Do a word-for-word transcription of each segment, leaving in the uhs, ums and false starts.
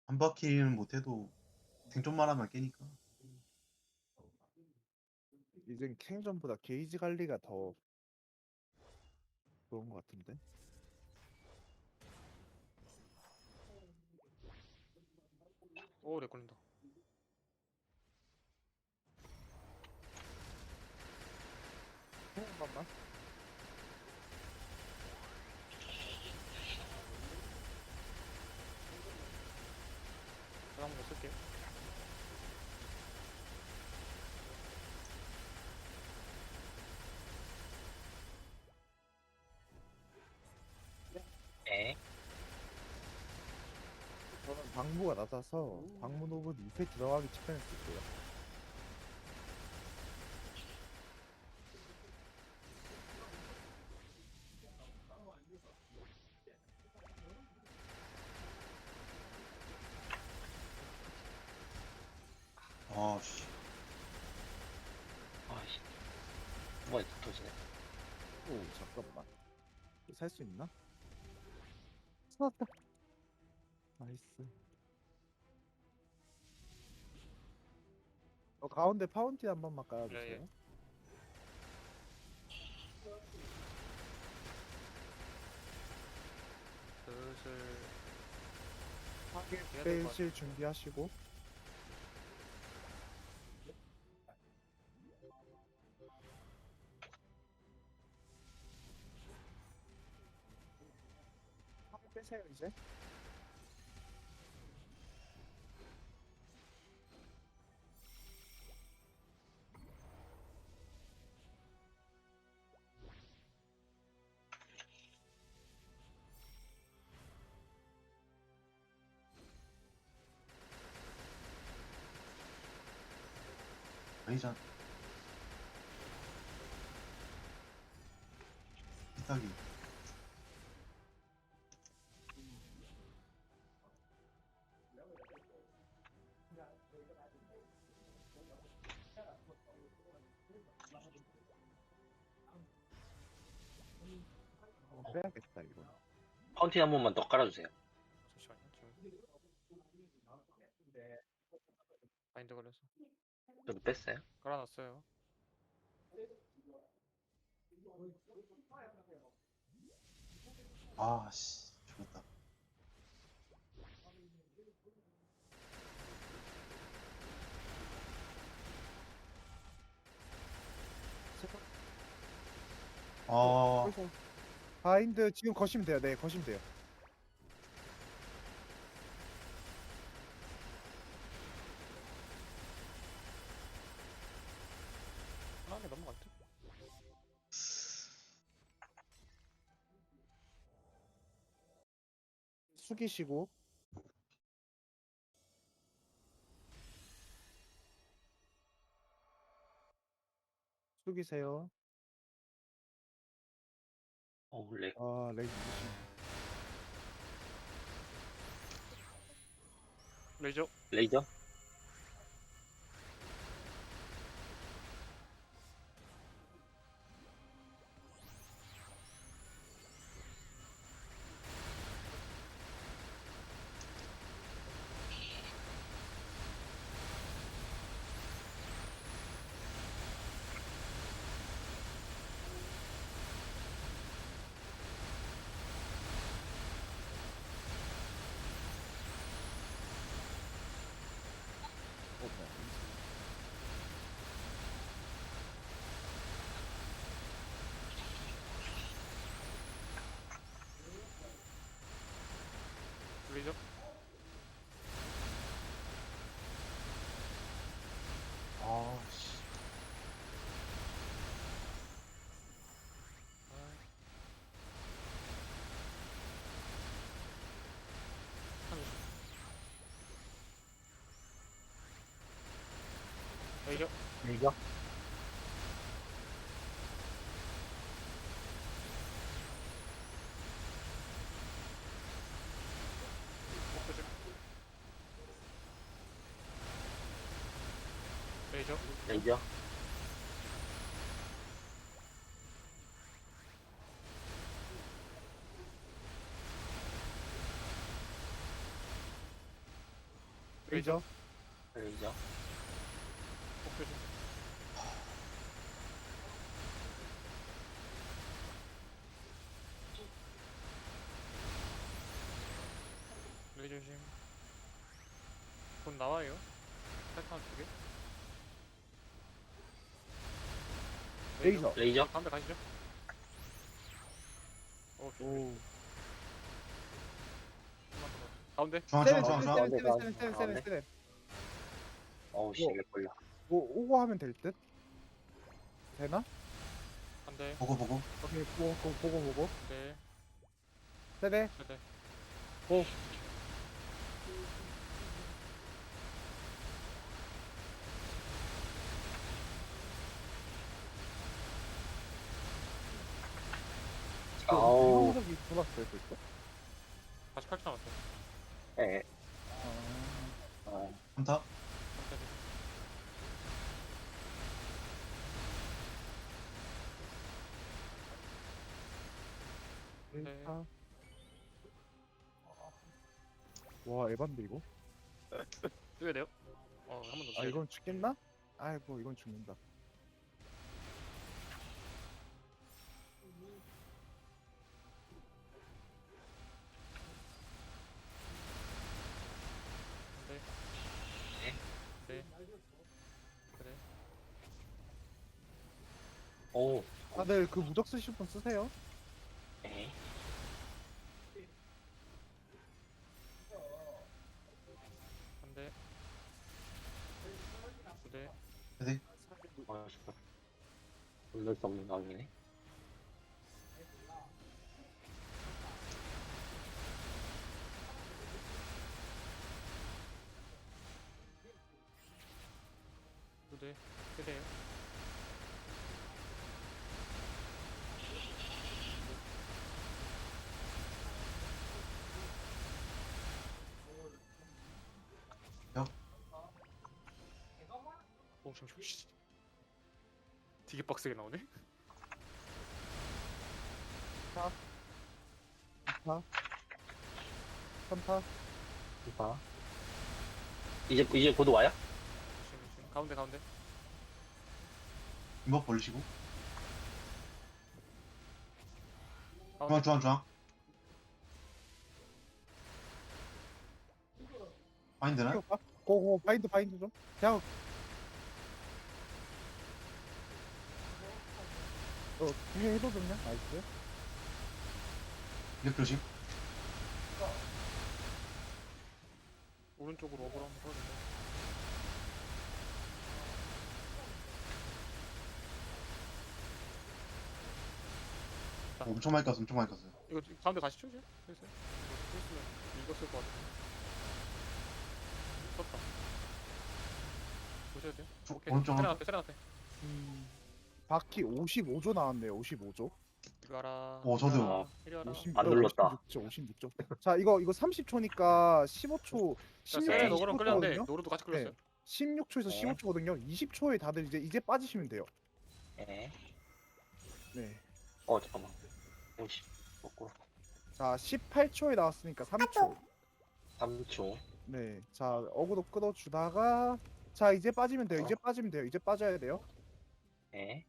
한 바퀴는 못해도 생존만 하면 깨니까. 이젠 캥전보다 게이지 관리가 더 좋은 것 같은데. 오, 렉 걸린다. 한 번만. 제가 한번 더 쓸게요. 네. 저는 방무가 낮아서 방무 노블 이 패 들어가기 직전에 쓸게요. 아씨. 아이씨. 한 번에 다 터지네. 오 잠깐만. 살 수 있나? 살았다. 나이스. 어, 가운데 파운틴 한 번만 깔아주세요. 예, 예. 슬슬 파괴 해야 될것 같아. 빼실 준비하시고. 파괴 빼세요 이제. 아니잖아. 비싸기. 어, 빼야겠다 이거. 파운틴 한 번만 더 깔아주세요. 잠시만요. 지금 마인드 걸려서 저도 뺐어요. 깔아놨어요. 아씨. 죽었다. 아. 그래서 바인드 지금 거시면 돼요. 네, 거시면 돼요. 편하게 넘어갈 듯. 숙이시고. 숙이세요. 어우, 렉. 아, 렉 있으시네. 레이저. 레이저? 어, 뭐야. 레이저. 아씨. 레이저. 레이저? 목표줄. 레이저. 레이저? 레이저. 레이저. 폭 조심. 레이저 조심. 곧 나와요. 패턴 두 개. 레이저. 레이저. 가운데 가시죠. 오, 조심. 오. 한번 더. 가운데. 중앙 세네 중앙 중앙 세네 중앙. 세네 세네 세네 세네 세네. 어우 씨, 뭐. 렉 걸려. 오 오고 하면 될 듯. 되나? 한대. 보고 보고. 오케이 보고 보고 보고 보고. 네. 세네. 네. 고. 아우. 이동석이 돌았어요 벌써? 사십팔 초 남았어요. 예. 아. 어. 한타. 한대. 네. 아. 와 에반데 이거? 뛰어야 돼요? 어, 한 번 더. 아 이건 죽겠나? 아이고 이건 죽는다. 네. 네. 네. 그래. 오. 다들 그 무적 쓰실 분 쓰세요. 예. 한 대. 두 대. 어, 잠깐. 놀랄 수 없는 상황이네. 두 대. 세 대요. 역. 오, 잠시만. 씨. 되게 빡세게 나오네. 파. 삼파. 봐. 이제 이제 곧 와요? 조심, 조심. 가운데, 가운데. 이목 벌리시고. 가운데. 중앙 중앙 중앙. 마인드는? 고 고고 바인드 바인드 좀. 그냥. 어 뒤에 해도든요. 나이스. 이격 조심. 오른쪽으로 어그로 한번 써주세요. 어, 엄청 많이 깠어 엄청 많이 깠어요. 이거 가운데 가시죠, 이제? 됐어요. 이거 했으면 읽었을 것 같아. 썼다. 보셔야 돼요. 저- 오케이. 오른쪽 세레 한- 앞에, 세레 앞에. 음. 바퀴 오십오 조 나왔네요. 오십오 조. 이거 알아. 어, 저도요. 이리 와라. 이리 와라. 오십, 안 눌렀다. 오십육 조, 오십육 조. 자, 이거 이거 삼십 초니까 십오 초, 자, 십육 세레 네. 초, 너그럼 십오 끌렸는데 초거든요. 노루도 같이 끌렸어요. 십육 초에서 네. 십오 초거든요. 이십 초에 다들 이제 이제 빠지시면 돼요. 예. 네. 어 잠깐만. 오십. 먹고. 자, 십팔 초에 나왔으니까 삼 초. 삼 초. 네. 자, 어그로 끌어 주다가 자, 이제 빠지면 돼요. 이제 빠지면 돼요. 이제 빠져야 돼요. 예.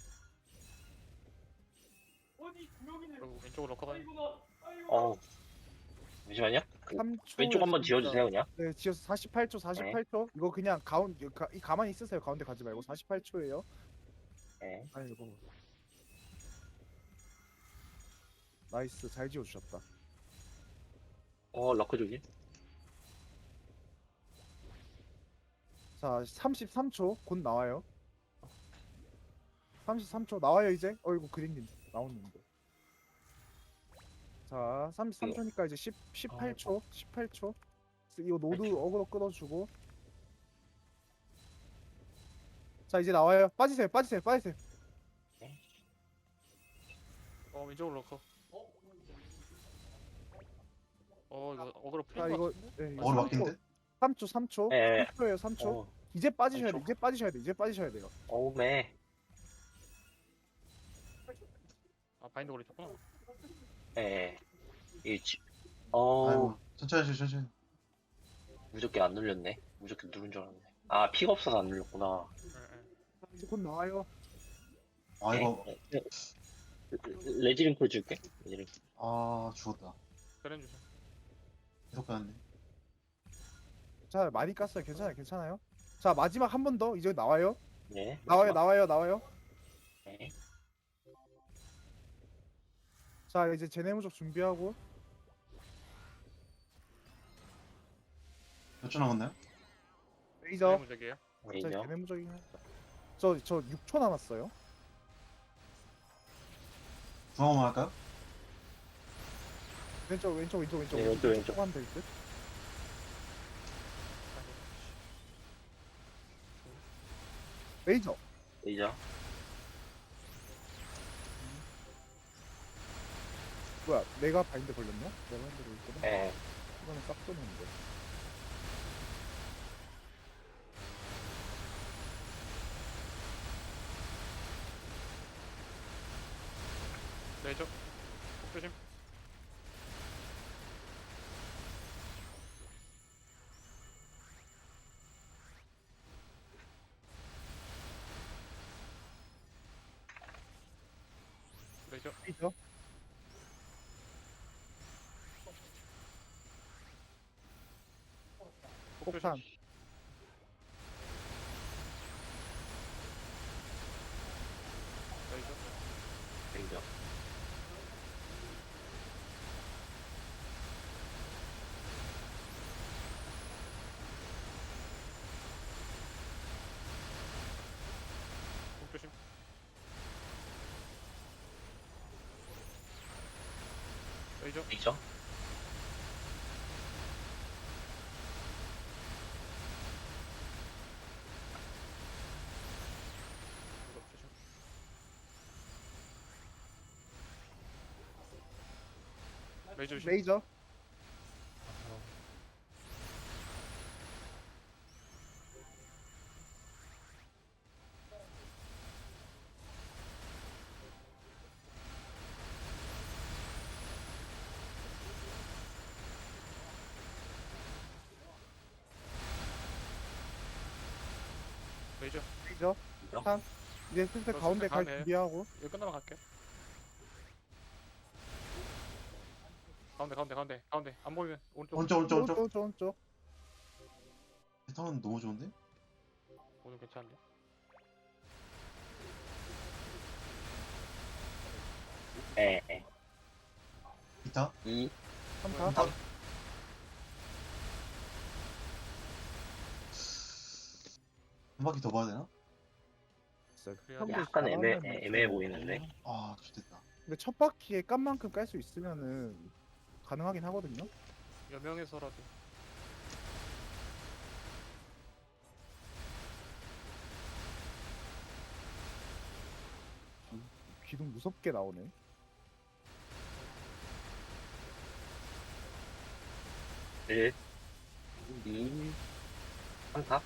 그리고 왼쪽으로 럭커 가요. 어. 잠시만요. 삼 초. 왼쪽 한번 지워주세요 그냥. 네, 지어서 사십팔 초, 사십팔 초. 이거 그냥 가운 가, 이 가만히 있으세요. 가운데 가지 말고 사십팔 초예요. 예. 아이고. 나이스. 잘 지어 주셨다. 어 럭커 조심. 자, 삼십삼 초 곧 나와요. 삼십삼 초 나와요 이제. 어이구 그린님 나오는데. 자, 삼십삼 초니까 이제 십, 십팔 초, 십팔 초. 이거 노드 어그로 끌어주고. 자, 이제 나와요. 빠지세요, 빠지세요, 빠지세요. 어, 왼쪽으로 럭커. 어, 이거 어그로 자, 풀린 거 이거 같은데? 네, 어그로 삼 막힌데? 초, 삼 초, 삼 초, 예. 삼 초예요, 삼 초. 어. 이제 빠지셔야 돼, 삼 초. 이제 빠지셔야 돼, 이제 빠지셔야 돼요. 어우매. 아, 바인드 걸리셨구나. 예. 이 지. 어. 아이고 천천히 하시죠 천천히. 무조건 안 눌렸네. 무조건 누른 줄 알았네. 아, 피가 없어서 안 눌렸구나. 예, 예. 이제 곧 나와요. 아 이거 에? 에? 레지링크 줄게. 레지링크. 아 죽었다. 그래 주세요. 계속 가는데. 자 많이 깠어요. 괜찮아요. 괜찮아요. 자 마지막 한 번 더. 이제 나와요. 네. 나와요. 나와요. 나와요. 네. 자 이제 제네무적 준비하고. 몇 초 남았나요? 레이저. 무적이에요. 자 레이저. 제네무적이. 저저 육 초 남았어요. 중앙만 할까요? 왼쪽 왼쪽 왼쪽 왼쪽 네, 왼쪽, 왼쪽. 하면 될 듯. 레이저. 레이저. 뭐야? 내가 바인드 걸렸나? 내가 바인드 걸렸거든. 에. 이거는 싹 쏘는데. 레이저. 폭 조심. 레이저. 레이저. 폭 조심. 폭탄. 레이저. 레이저. 폭 조심. 레이저. 레이저. 무적 조심. 레이저 조심. 레이저. 레이저. 레이저. 레이저. 폭탄. 이제 슬슬 저 가운데 갈 가네. 준비하고. 이거 끝나면 갈게요. 가운데 가운데 가운데 가운데 안 보이면 오른쪽 오른쪽 오른쪽 오른쪽. 오른쪽 오른쪽. 패턴은 너무 좋은데? 오늘 괜찮은데. 에. 에. 기타? 이. 삼 타. 삼. 한 바퀴 더 봐야 되나? 그래야 한 번 약간 애매 잘하면 애- 애매해 보이는데. 아 좋겠다. 근데 첫 바퀴에 깐 만큼 깔 수 있으면은 가능하긴 하거든요. 여명에서라도 기둥 무섭게 나오네. 일. 이. 삼 타.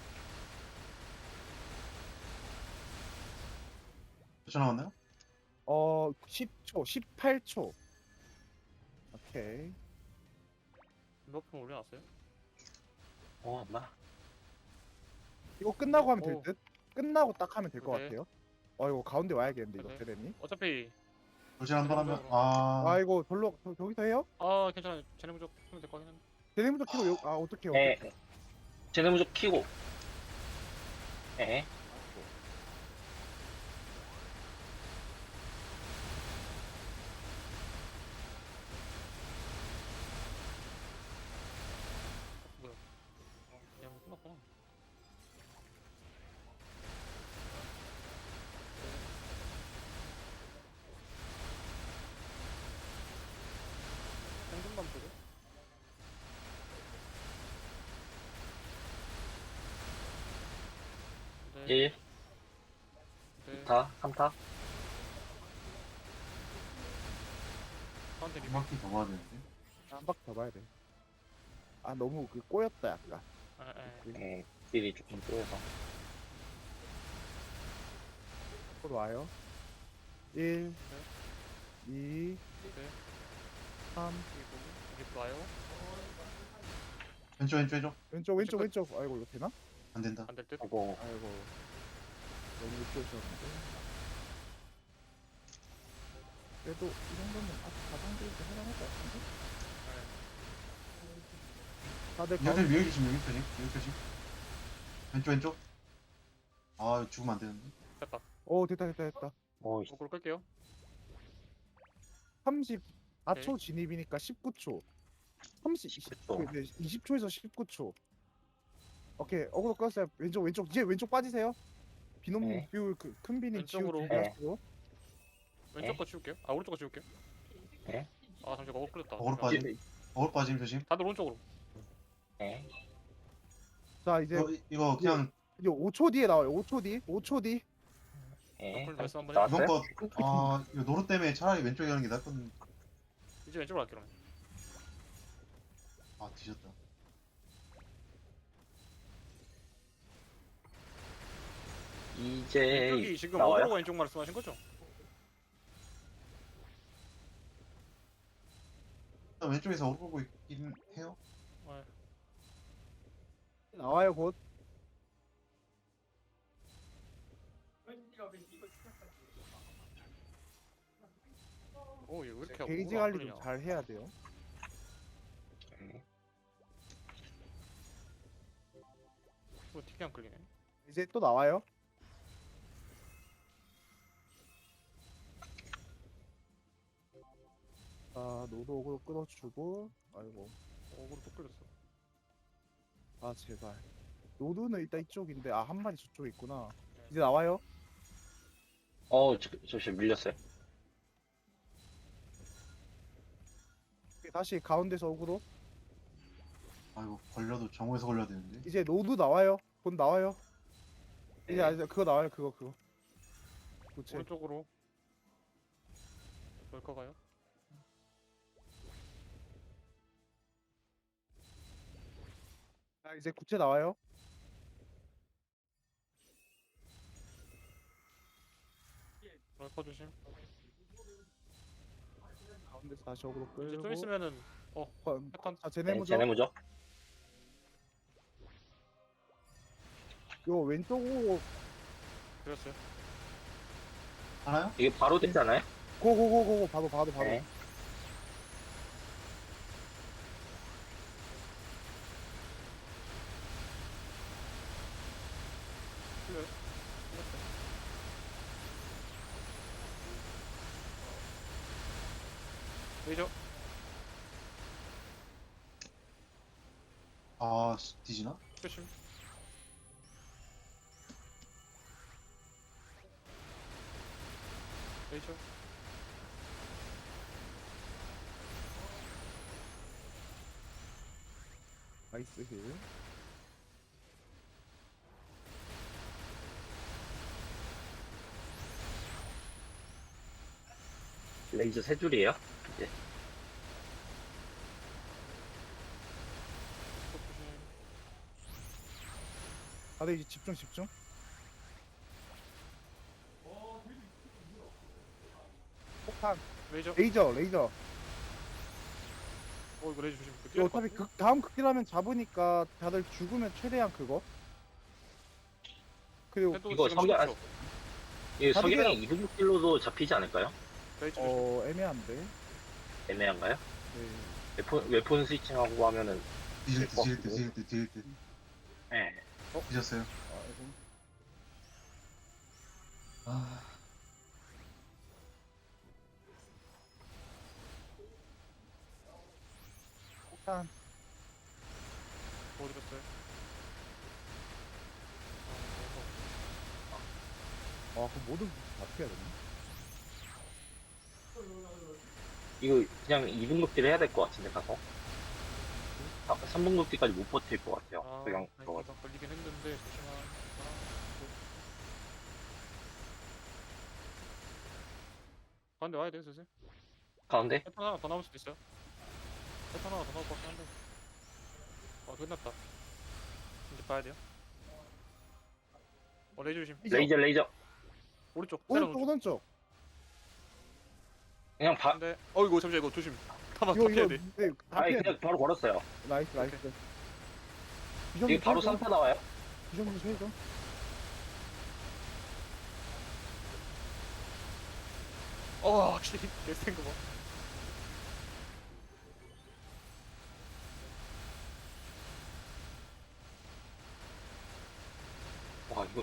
몇 초 남았나요? 어, 십 초, 십팔 초. 오케이. 몇분 올려놨어요? 어, 엄마. 이거 끝나고 하면 될 오. 듯? 끝나고 딱 하면 될 것 그래. 같아요. 어, 이거 가운데 와야겠는데, 이거 그래. 대대니. 어차피 돌진 한 번 하면 그래도 아, 아, 이거 별로, 저, 저기서 해요? 아 괜찮아요. 쟤네 무적 하면 될 거 같긴 한데. 대대 먼저 키고, 요, 아, 어떻게, 에. 어떻게. 쟤네 무적 키고. 에. 뭐야? 어, 그냥 끝났구나. 생존만 보고. 네. 일. 네. 이 타. 삼 타. 가운데 한 리뷰. 바퀴 더 봐야 되는데. 한 바퀴 더 봐야 돼. 아, 너무 그 꼬였다, 약간. 아, 예. 에. 딜이 조금 쪼여서. 곧 와요. 일, 이, 네. 삼, 그리고 여기 또 와요. 왼쪽 왼쪽 왼쪽. 왼쪽 왼쪽 왼쪽. 아이고 이거 되나? 안 된다. 안 될 듯. 아이고 아이고 너무 늦게 오셨는데. 그래도 이 정도면 아직 가장들도 해당할 것 같은데? 다들 여기 가운데 여기 조심 여기 조심 여기 조심. 왼쪽 왼쪽. 아 이거 죽으면 안 되는데. 됐다. 오 됐다 됐다 됐다. 어이 거꾸로 끌게요. 삼십사 초 진입이니까 십구 초. 삼십, 십구 초. 네, 이십 초에서 십구 초. 오케이 어그로 끌었어요. 왼쪽 왼쪽 이제 왼쪽 빠지세요. 비놈 네. 비울 그, 큰 비님 지우 왼쪽으로. 준비하시고. 왼쪽 거 치울게요. 아 오른쪽 거 치울게요. 네. 아 잠시 거꾸로 끌렸다. 거꾸로 잠시만. 빠짐. 어글 빠짐 조심. 다들 오른쪽으로. 네. 자 이제 이거 이거 그냥 이제 오 초 뒤에 나와요. 오 초 뒤. 오 초 뒤. 네. 풀 말씀 한번 나왔어요? 이번 거 아 이거 노루 때문에 차라리 왼쪽에 가는 게 낫거든. 이제 왼쪽으로 갈게요. 그러면. 아 뒤졌다. 이제 왼쪽이 지금 나와요? 어그로가 왼쪽 말씀하신 거죠? 일단 왼쪽에서 어글 보고 있긴 해요. 네. 나와요 곧. 오 얘 왜 이렇게 게이지 어그로가 안 관리 끌리냐. 좀 잘 해야 돼요. 네. 뭐 틱이 안 끌리네. 이제 또 나와요. 아 노드 오그로 끊어주고. 아이고 어그로 또 끌렸어. 아 제발. 노드는 일단 이쪽인데 아 한 마리 저쪽에 있구나. 이제 나와요. 어 저, 저 밀렸어요. 다시 가운데서 오그로. 아 이거 걸려도 정오에서 걸려야 되는데. 이제 노드 나와요. 곧 나와요. 이제 네. 아, 이제 그거 나와요. 그거 그거. 도체. 오른쪽으로. 뭘까 가요? 아 이제 구체 나와요. 뭘까 조심. 가운데서 다시 오그로 이제 좀 끌고. 있으면은 어, 패턴. 자 네. 제네모죠. 제네모죠? 요 왼쪽 오 그렸어요. 하나요? 이게 바로 되잖아요? 고고고고 바로 바로 바로. 네. 풀려요. 풀렸어요. 레이저. 아 씨, 뒤지나? 조심. 레이저. 나이스 힐. 레이저 세 줄이에요? 이제 또 조심. 다들 이제 집중 집중. 폭탄. 레이저. 레이저 레이저. 어 이거 레이저 조심. 그 이거 뛰어야 될것 어차피 같은데? 극 다음 극딜하면 잡으니까 다들 죽으면 최대한 그거. 그리고 해도 이거 지금 성격- 십오 초. 이 다들 석양이 이분킬로도 잡히지 않을까요? 레이저 조심. 어 애매한데. 애매한가요? 네. 웨폰, 웨폰 스위칭하고 하면은 뒤질 때 어, 뒤질 때 뒤질 때 뒤질 때 네. 뒤졌어요. 아, 이거. 아 폭탄. 어디 갔어요? 아, 아 그럼 모든 어떻게 해야 되나? 이거 그냥 이분극딜 해야 될 것 같은데 가서 삼분극딜까지 못 버틸 것 같아요. 아, 그냥 아 그거 이거 걸리긴 했는데 조심하. 가운데 와야 돼 슬슬. 가운데 패턴 하나 더 나올 수도 있어요. 패턴 하나 더 나올 것 같긴 한데. 어 끝났다. 이제 봐야 돼요. 어 레이저 조심. 레이저 레이저 오른쪽. 세련 오른쪽 오른쪽. 오른쪽. 그냥 바 근데 어 이거 잠시만 이거 조심. 타마 이거 타피해야 이거 돼. 네, 다 아니 피해. 그냥 바로 걸었어요. 나이스 나이스. 비정규 이게 바로 최종. 삼 타 나와요? 비정규 최종. 어 확실히 개센 거 봐. 와 이거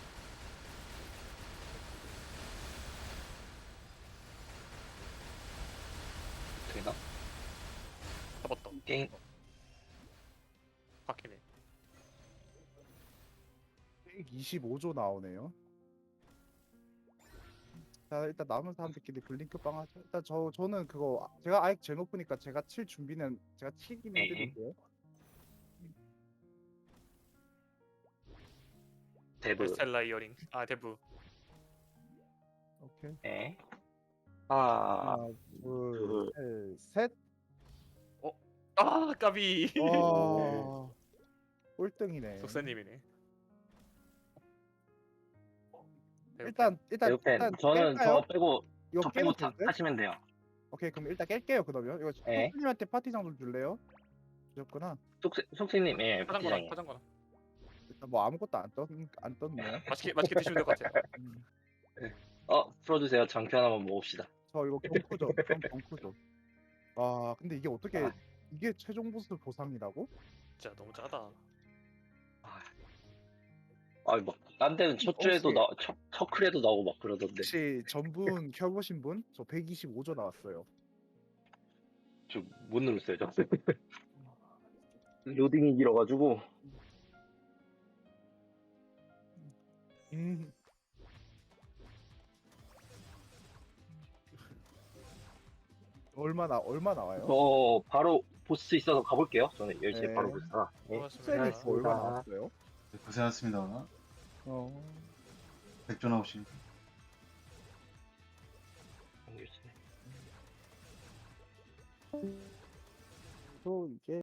되나? 잡았다. 게임 바뀌네. 백이십오 조 나오네요. 자 일단 남은 사람들끼리 블링크 빵 하죠. 일단 저 저는 그거 제가 아예 제일 높으니까 제가 칠 준비는 제가 치긴 네. 해드릴게요. 데브. 스텔라 이어링. 아 데브. 오케이. 네. 아, 하나, 둘, 셋, 셋. 아 까비. 와, 꼴등이네. 속사님이네. 일단 일단 데브팬. 일단 저는 깰까요? 저 빼고 이거 저 깨도 빼고 타, 될 듯? 타시면 돼요. 오케이 그럼 일단 깰게요 그러면. 이거 네. 손님한테 파티장 좀 줄래요? 주셨구나. 속세, 속세님, 예, 파장거나 파티장이에요. 파장거나. 일단 뭐 아무것도 안떴안 떴네요. 맛있게 맛있게 드시면 될 것 같아요. 음. 어, 풀어주세요. 장편 한번 먹읍시다. 저 이거 경쿠죠. 전 경쿠죠. 아 근데 이게 어떻게 아. 이게 최종 보스 보상이라고? 진짜 너무 짜다. 아, 막, 딴 데는 첫 주에도 혹시- 나, 첫, 첫 클에도 나오고 막 그러던데. 혹시 전분 켜보신 분? 저 백이십오 조 나왔어요. 저 못 눌렀어요, 저. 로딩이 길어가지고. 음. 얼마나 얼마 나와요? 저 바로 보스 있어서 가볼게요. 저는 열심히 네. 바로 보스라. 네. 고맙습니다. 셀렉스 얼마 나왔어요? 네, 고생하셨습니다. 어. 백조 나오십니다. 열심히. 또 이게